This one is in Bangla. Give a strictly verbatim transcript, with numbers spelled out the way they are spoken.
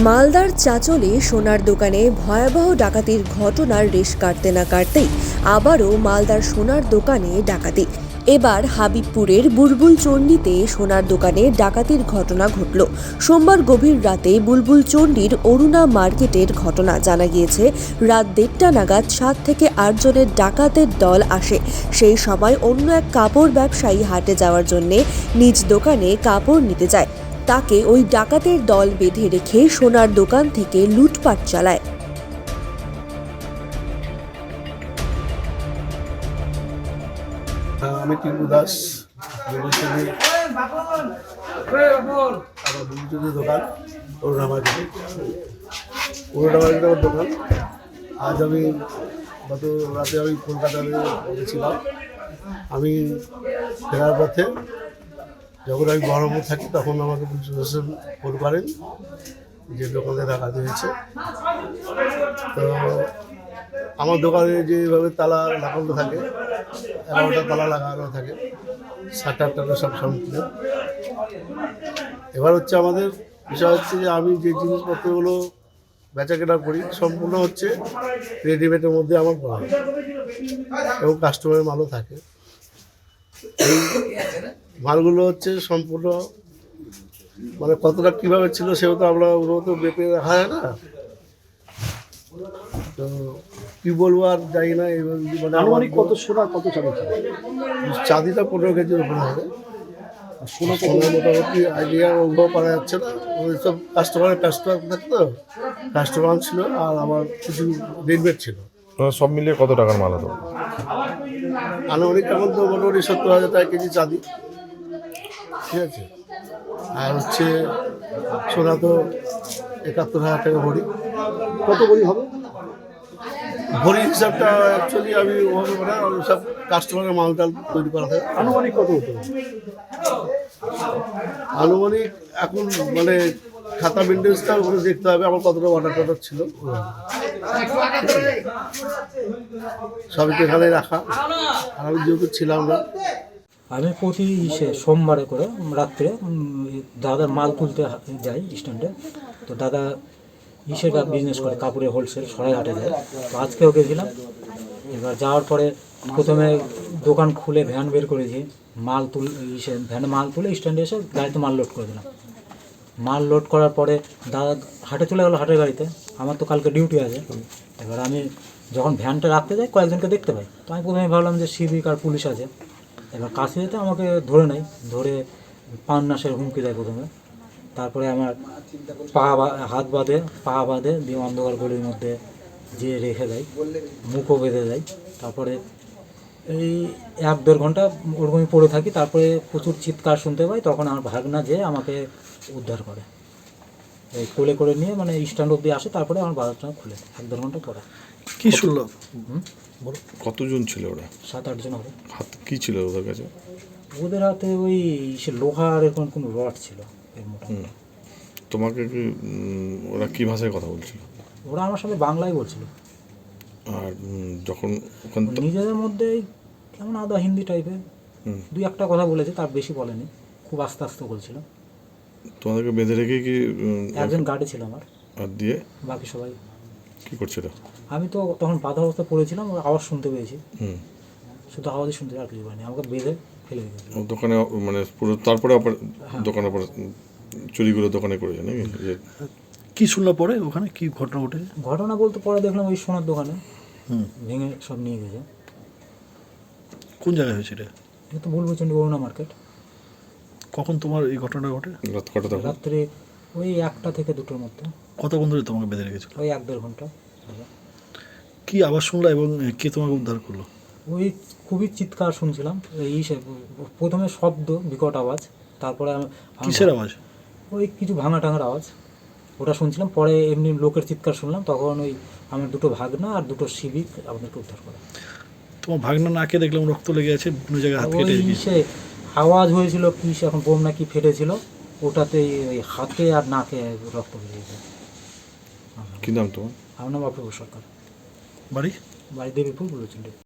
মালদার চাঁচলে সোনার দোকানে ভয়াবহ ডাকাতির ঘটনার রেশ কাটতে না কাটতেই আবারও মালদার সোনার দোকানে ডাকাতি। এবার হাবিবপুরের বুলবুল চণ্ডীতে সোনার দোকানে ডাকাতির ঘটনা ঘটল। সোমবার গভীর রাতে বুলবুল চণ্ডীর অরুণা মার্কেটের ঘটনা। জানা গিয়েছে, রাত দেড়টা নাগাদ সাত থেকে আট জনের ডাকাতের দল আসে। সেই সময় অন্য এক কাপড় ব্যবসায়ী হাটে যাওয়ার জন্য নিজ দোকানে কাপড় নিতে যায়। তাকে ওই ডাকাতের দল বেঁধে রেখে সোনার দোকান থেকে লুটপাট চালায়। আমি টিপু দাস, আমার বুলবুল দোকান অরুণা মার্কেটে অরুণা মার্কেটে আমার দোকান। আজ আমি গত রাতে আমি কলকাতায় গেছিলাম। আমি ফেরার পথে যখন আমি বহরমপুর থাকি তখন আমাকে পুলিশ প্রশাসন ফোন করেন যে দোকানে ডাকাতি হয়েছে। তো আমার দোকানে যেভাবে তালা লাগানো থাকে, এগারোটা তালা লাগানো থাকে, সাত আটটা সব সম্পূর্ণ। এবার হচ্ছে আমাদের বিষয় হচ্ছে যে আমি যে জিনিসপত্রগুলো বেচা কেনা করি সম্পূর্ণ হচ্ছে রেডিমেডের মধ্যে আমার করা হয় এবং কাস্টমারের মালও থাকে। এই মালগুলো হচ্ছে সম্পূর্ণ মানে কতটা কীভাবে ছিল সেও তো আমরা ওগুলো তো বেপে রাখা হয় না। তো কী বলবো আর যাই না। মানে আমার কত সোনা কত চাঁদি চাঁদিটা পনেরো কেজির উপরে হবে। সোনা সোনা মোটামুটি আইডিয়া ওগুলো পারা যাচ্ছে না। ওই সব কাস্টমারের কাস্টমার থাকতো, কাস্টমার ছিল আর আমার কিছু রেডিমেড ছিল। সব মিলিয়ে কত টাকার মাল হতো? আনুমানিক এখন তো মোটামুটি সত্তর হাজার টাকা কেজি চাঁদি, ঠিক আছে। আর হচ্ছে সোনা তো একাত্তর হাজার টাকা ভরি। কত বড়ি হবে? ভরি হিসাবটা অ্যাকচুয়ালি আমি ওভাবে মানে সব কাস্টমারের মালটাল তৈরি করা থাকে। আনুমানিক কত হতো? আনুমানিক এখন মানে খাতা মেনটেন্সটা ওখানে দেখতে হবে আমার কতটা অর্ডার টর্ডার ছিল, সবই তো এখানে রাখা। আর আমি যেহেতু ছিলাম না, আমি প্রতি ইসে সোমবারে করে রাত্রে দাদার মাল তুলতে যাই স্ট্যান্ডে। তো দাদা ইসের বিজনেস করে, কাপড়ের হোলসেল, সরাইহাটে যায়। তো আজকেও গেছিলাম। এবার যাওয়ার পরে প্রথমে দোকান খুলে ভ্যান বের করেছি, মাল তুল ইসে ভ্যানে মাল তুলে স্ট্যান্ডে এসে গাড়িতে মাল লোড করে দিলাম। মাল লোড করার পরে দাদা হাটে চলে গেলো, হাটের গাড়িতে। আমার তো কালকে ডিউটি আছে। এবার আমি যখন ভ্যানটা রাখতে যাই কয়েকজনকে দেখতে পাই। তো আমি প্রথমে ভাবলাম যে সিভিক আর পুলিশ আছে। এবার কাছে যেতে আমাকে ধরে নেয়, ধরে পান নাশের হুমকি দেয় প্রথমে। তারপরে আমার পা হাত বাঁধে, পা বাঁধে দিয়ে অন্ধকার গলির মধ্যে যে রেখে দেয়, মুখও বেঁধে দেয়। তারপরে এই এক দেড় ঘন্টা ওরকমই পড়ে থাকি। তারপরে প্রচুর চিৎকার শুনতে পাই, তখন আমার ভাগনা যে আমাকে উদ্ধার করে, এই কোলে করে নিয়ে মানে স্ট্যান্ড অব্দি আসে। তারপরে আমার বাজারটা খুলে এক দেড় ঘন্টা পরে। কি শুনলো? কতজন ছিল ওরা? সাত আটজন হবে। হাত কি ছিল ওদের কাছে? ওদের হাতে ওই সে লোহার এরকম কোনো রড ছিল এর মোটামুটি। তোমাকে কি ওরা কি ভাষায় কথা বলছিল? ওরা আমার সাথে বাংলায় বলছিল। আর যখন ওখান নিজেদের মধ্যেই কেমন আদা হিন্দি টাইপের দুই একটা কথা বলেছে, তার বেশি বলেনি, খুব আস্তে আস্তে বলছিল। তোমাদেরকে বেঁধে রেখে কি? একজন গার্ডে ছিল আমার, আর দিয়ে বাকি সবাই কি করছিল? আমি তো তখন বাধা অবস্থা পড়েছিলাম, ওর আওয়াজ শুনতে পেয়েছি, হুম শুধু আওয়াজই শুনতে আর কিছু পাইনি। আমাকে বেঁধে ফেলে দিয়েছিল দোকানে, মানে পুরো। তারপরে আবার দোকানে পরে চুরিগুলো দোকানে করেছে নাকি? যে কি শুনলো পরে ওখানে কি ঘটনা ঘটে? ঘটনা বলতে পরে দেখলাম ওই সোনার দোকানে ভেঙে সব নিয়ে গেছে। কোন জায়গায় হয়েছে এটা? এটা তো বলবো চন্ডী অরুণা মার্কেট। কখন তোমার এই ঘটনাটা ঘটে? রাত কটা তখন? রাত্রে ওই একটা থেকে দুটোর মধ্যে। কতক্ষণ ধরে তোমাকে বেঁধে রেখেছিল? ওই এক দেড় ঘন্টা। কি আওয়াজ শুনলা এবং কে তোমাকে উদ্ধার করলো? ওই খুবই চিৎকার শুনছিলাম, এই প্রথমে শব্দ, বিকট আওয়াজ, তারপরে কিসের আওয়াজ? ওই কিছু ভাঙা টাঙার আওয়াজ, ওটা শুনছিলাম। পরে এমনি লোকের চিৎকার শুনলাম, তখন ওই আমার দুটো ভাগনা আর দুটো সিভিক আমাদেরকে উদ্ধার করে। তোমার ভাগনা নাকে দেখলাম রক্ত লেগে আছে, বিভিন্ন জায়গায় হাত কেটে ওই সে আওয়াজ হয়েছিল কি সে এখন বোম নাকি ফেটেছিল, ওটাতেই ওই হাতে আর নাকে রক্ত বেরিয়েছে। কি নাম তোমার? আমার নাম অপূর্ব সরকার। বাড়ি? বাড়ি দেবীপুর বলেছিল।